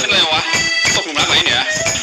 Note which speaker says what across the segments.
Speaker 1: เป็นไรวะตกหลุมรักไหนเนี่ย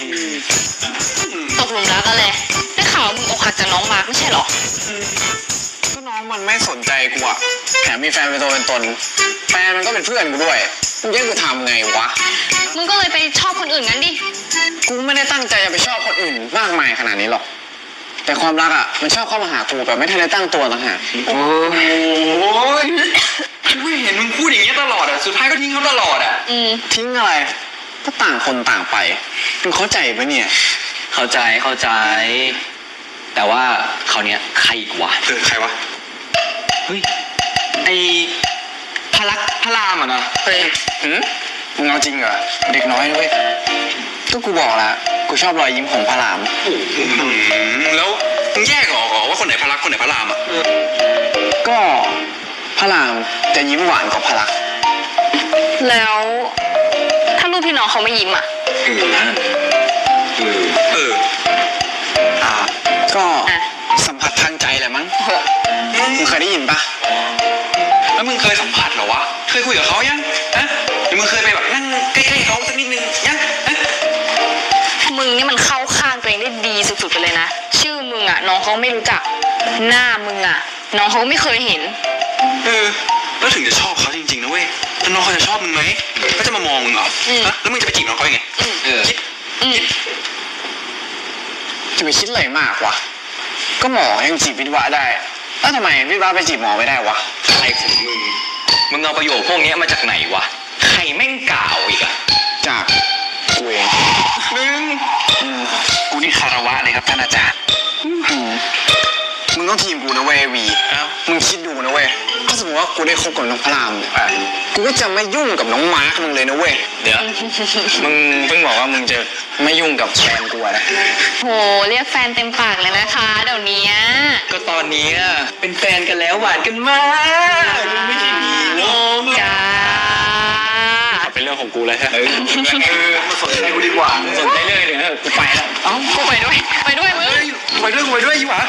Speaker 2: ตกหลุมรักอะไรได้ข่าวมึงอกหักจากน้องมาร์คไม่ใช่หรอ
Speaker 3: ก็น้องมันไม่สนใจกูอะแถมมีแฟนเป็นตัวเป็นตนแฟนมันก็เป็นเพื่อนกูด้วยมึงแย่งกูทำไงวะ
Speaker 2: มึงก็เลยไปชอบคนอื่นงั้นดิ
Speaker 3: กูไม่ได้ตั้งใจจะไปชอบคนอื่นมากมายขนาดนี้หรอกแต่ความรักอะมันชอบเข้ามาหากูแบบไม่ทันได้ตั้งตัวต่างหาก
Speaker 1: โอ้ยกูเห็นมึงพูดอย่างเงี้ยตลอดอะสุดท้ายก็ทิ้งเขาตลอดอะ
Speaker 3: ทิ้งอะไรก็ต่างคนต่างไปมึงเข้าใจปะเนี่ย
Speaker 4: เข้าใจแต่ว่าคราวเนี้ยใครอีกวะ
Speaker 1: ใครวะ
Speaker 4: เฮ้ยไอพระรามอ่ะนะ
Speaker 3: เฮ้ยมึงเอาจริงเหรอเด็กน้อยด้วยก็กูบอกแล้วกูชอบรอยยิ้มของพระราม
Speaker 1: แล้วมึงแยกออกว่าคนไหนพระลักษณ์คนไหนพระรามอ่ะ
Speaker 3: ก็พระรามจะยิ้มหวานกว่าพระลักษณ์
Speaker 2: แล้วถ้าลูกพี่น้องเขาไม่ยิ้มอ่ะ
Speaker 3: ก็สัมผัสทางใจแหละมั้งมึงเคยได้ยินปะ
Speaker 1: แล้วมึงเคยสัมผัสเหรอวะเคยคุยกับเขายังหรือมึงเคยไปแบบนั่งใกล้ๆเขาสักนิดนึงยัง
Speaker 2: มึงนี่มันเข้าข้างตัวเองได้ดีสุดๆไปเลยนะชื่อมึงอ่ะน้องเขาไม่รู้จักหน้ามึงอ่ะน้องเขาไม่เคยเห็น
Speaker 1: แล้วถึงจะชอบเขาจริงๆนะเว้ยแล้วน้องเขาจะชอบมึงไหมเขาจะมามองมึงเหรอแล้วมึงจะไปจีบน้องเขายังไง
Speaker 3: จะไปคิดอะไรมากวะก็หมอยังจีบวิทวะได้แล้วทำไมวิทวะไปจีบหมอไม่ได้วะ
Speaker 4: อะไรของมึงเอาประโยคพวกนี้มาจากไหนวะใครแม่งกล่าวอีกอะ
Speaker 3: จากกูเอง
Speaker 1: กูนี่คารวะเลยครับท่านอาจารย์
Speaker 3: มึงต้องทีมกูนะเว้ยวีมึงคิดดูนะเว้ยถ้าสมมติว่ากูได้คบกับน้องพระรามกูก็จะไม่ยุ่งกับน้องมาร์คมึงเลยนะเว้ย
Speaker 4: เดี๋ยวมึงเพิ่งบอกว่ามึงจะไม่ยุ่งกับแฟนกูนะ
Speaker 2: โหเรียกแฟนเต็มปากเลยนะคะเดี๋ยวนี้
Speaker 4: ก็ตอนนี้เป็นแฟนกันแล้วหวานกันมากไม่ใช่มีน้อง
Speaker 2: จ้า
Speaker 4: เป็นเรื่องของกูเลยฮะ
Speaker 1: มาสนใจกูดีกว่า
Speaker 4: สนใจเรื่องเลยกูไปแล้ว
Speaker 2: กูไปด้วยมึง
Speaker 1: ไปด้วยยี่หว่า